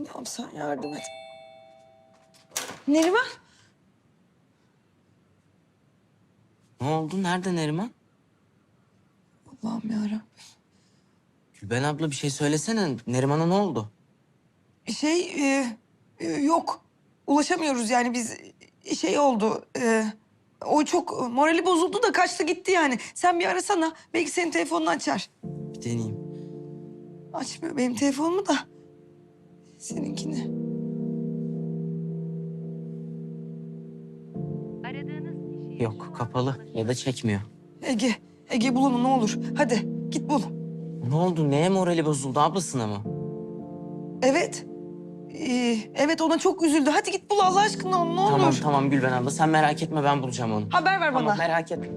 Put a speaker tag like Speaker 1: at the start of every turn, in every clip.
Speaker 1: Allah'ım sen yardım et. Neriman.
Speaker 2: Ne oldu? Nerede Neriman?
Speaker 1: Allah'ım yarabbim.
Speaker 2: Gülben abla bir şey söylesene. Neriman'a ne oldu?
Speaker 1: Yok. Ulaşamıyoruz yani biz şey oldu. O çok morali bozuldu da kaçtı gitti yani. Sen bir arasana. Belki senin telefonunu açar.
Speaker 2: Bir deneyeyim.
Speaker 1: Açmıyor benim telefonumu da. Seninkini.
Speaker 3: Aradığınız kişiye
Speaker 2: Yok, kapalı ya da çekmiyor.
Speaker 1: Ege bul onu ne olur. Hadi git bul.
Speaker 2: Ne oldu? Neye morali bozuldu? Ablasına mı?
Speaker 1: Evet. Evet ona çok üzüldü. Hadi git bul Allah aşkına onu ne olur.
Speaker 2: Tamam tamam Gülben abla. Sen merak etme, ben bulacağım onu.
Speaker 1: Haber ver
Speaker 2: Tamam,
Speaker 1: bana.
Speaker 2: merak etme.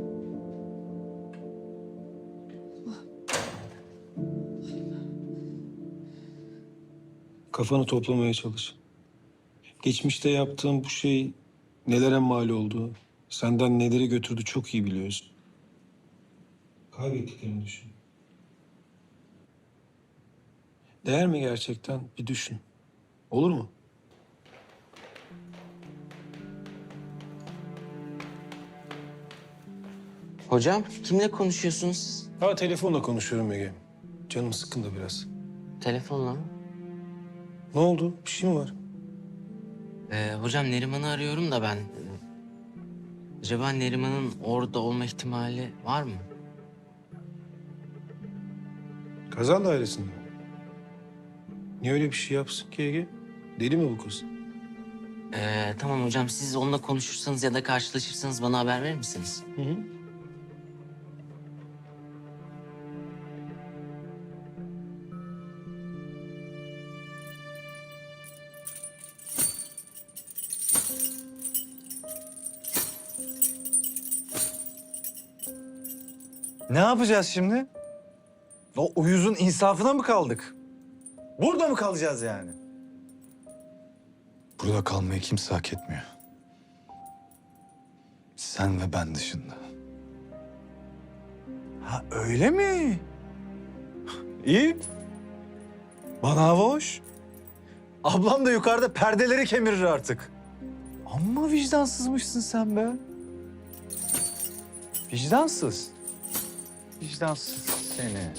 Speaker 4: Kafanı toplamaya çalış. Geçmişte yaptığın bu şey nelere mal oldu, senden neleri götürdü çok iyi biliyorsun. Kaybettiklerini düşün. Değer mi gerçekten? Bir düşün. Olur mu?
Speaker 2: Hocam, kimle konuşuyorsunuz siz?
Speaker 4: Ha telefonla konuşuyorum Ege. Canım sıkkın da biraz.
Speaker 2: Telefonla mı?
Speaker 4: Ne oldu? Bir şey mi var?
Speaker 2: Hocam Neriman'ı arıyorum da ben. Acaba Neriman'ın orada olma ihtimali var mı?
Speaker 4: Kaza dairesinde mi? Niye öyle bir şey yapsın ki Ege? Deli mi bu kız?
Speaker 2: Tamam hocam, siz onunla konuşursanız ya da karşılaşırsanız bana haber verir misiniz?
Speaker 4: Hı hı.
Speaker 5: Ne yapacağız şimdi? O uyuzun insafına mı kaldık? Burada mı kalacağız yani?
Speaker 6: Burada kalmayı kimse hak etmiyor. Sen ve ben dışında.
Speaker 5: Ha öyle mi? İyi. Bana hava hoş. Ablam da yukarıda perdeleri kemirir artık. Amma vicdansızmışsın sen be. Vicdansız. Vicdansız seni.